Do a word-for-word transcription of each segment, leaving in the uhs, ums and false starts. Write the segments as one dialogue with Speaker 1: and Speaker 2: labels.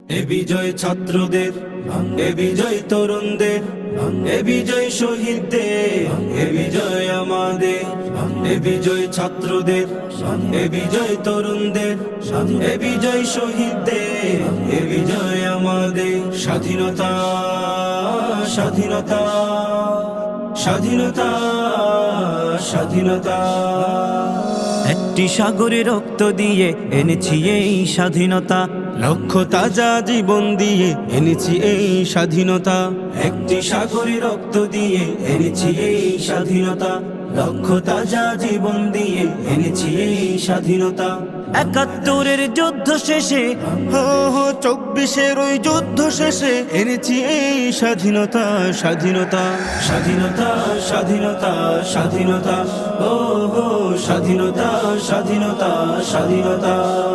Speaker 1: এ বিজয় ছাত্রদের, এ বিজয় তরুণদের, এ বিজয় শহীদদের, এ বিজয় আমাদের। এ বিজয় ছাত্রদের, এ বিজয় তরুণদের, এ বিজয় শহীদদের, এ বিজয় আমাদের। স্বাধীনতা স্বাধীনতা স্বাধীনতা স্বাধীনতা।
Speaker 2: একটি সাগরে রক্ত দিয়ে এনেছি এই স্বাধীনতা,
Speaker 1: লক্ষ তাজা জীবন দিয়ে এনেছি এই স্বাধীনতা। একটি সাগরে রক্ত দিয়ে এনেছি এই স্বাধীনতা, লক্ষ তাজা জীবন দিয়ে এনেছি এই স্বাধীনতা।
Speaker 2: একাত্তরের যুদ্ধ শেষে,
Speaker 1: হো হো চব্বিশের ওই যুদ্ধ শেষে এনেছি এই স্বাধীনতা স্বাধীনতা স্বাধীনতা স্বাধীনতা স্বাধীনতা। ও হো স্বাধীনতা স্বাধীনতা স্বাধীনতা।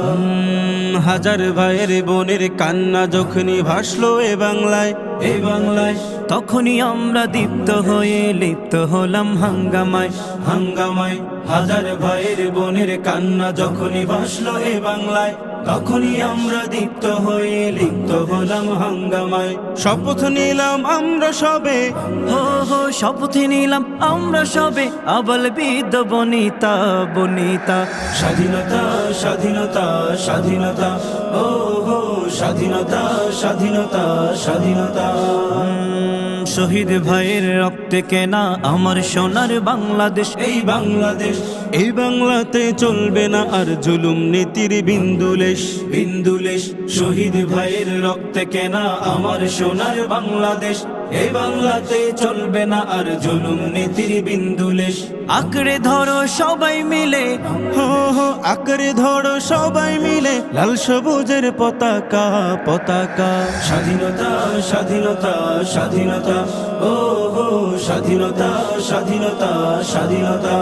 Speaker 1: হাজার ভাইয়ের বোনের কান্না যখনই ভাসলো এ বাংলায়, এ বাংলায়,
Speaker 2: তখনই আমরা দীপ্ত হয়ে লিপ্ত হলাম হাঙ্গামায়
Speaker 1: হাঙ্গামায়। হাজার ভাইয়ের বোনের কান্না যখনই ভাসলো এ বাংলায়, তখনই আমরা দীপ্ত হয়ে লিপ্ত হলাম হাঙ্গামায়। শপথ নিলাম আমরা সবে,
Speaker 2: হো হো শপথ নিলাম আমরা সবে, আবল বৃদ্ধ বনিতা বনিতা।
Speaker 1: স্বাধীনতা স্বাধীনতা স্বাধীনতা। ও হো স্বাধীনতা স্বাধীনতা স্বাধীনতা।
Speaker 2: শহীদ ভাইয়ের রক্তে কেনা আমার সোনার বাংলাদেশ,
Speaker 1: এই বাংলাদেশ, এই বাংলাতে চলবে না আর জুলুম নীতির বিন্দুলেশ বিন্দুলেশ। শহীদ ভাইয়ের রক্তে কেনা আমার সোনার বাংলাদেশ, এই বাংলাতে চলবে না আর জুলুম নীতির বিন্দুলেশ।
Speaker 2: আঁকড়ে ধরো সবাই মিলে,
Speaker 1: হো হো আঁকড়ে ধরো সবাই মিলে লাল সবুজের পতাকা পতাকা। স্বাধীনতা স্বাধীনতা স্বাধীনতা। ও হো স্বাধীনতা স্বাধীনতা স্বাধীনতা।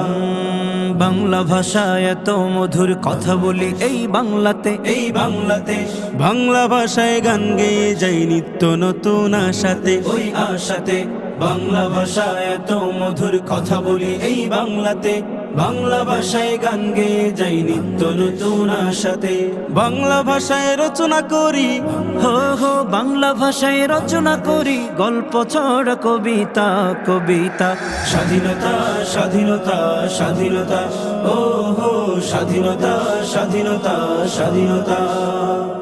Speaker 2: বাংলা ভাষা এত মধুর কথা বলি এই বাংলাতে,
Speaker 1: এই বাংলাতে বাংলা ভাষায় গান গেয়ে যাই নিত্য নতুন আশাতে, ওই আশাতে। বাংলা ভাষা এত মধুর কথা বলি এই বাংলাতে, বাংলা ভাষায় গান গেয়ে যাই নিত্য নতুন আশাতে। বাংলা ভাষায় রচনা করি,
Speaker 2: হো হো বাংলা ভাষায় রচনা করি গল্প ছড়া কবিতা কবিতা।
Speaker 1: স্বাধীনতা স্বাধীনতা স্বাধীনতা। ও হো স্বাধীনতা স্বাধীনতা স্বাধীনতা।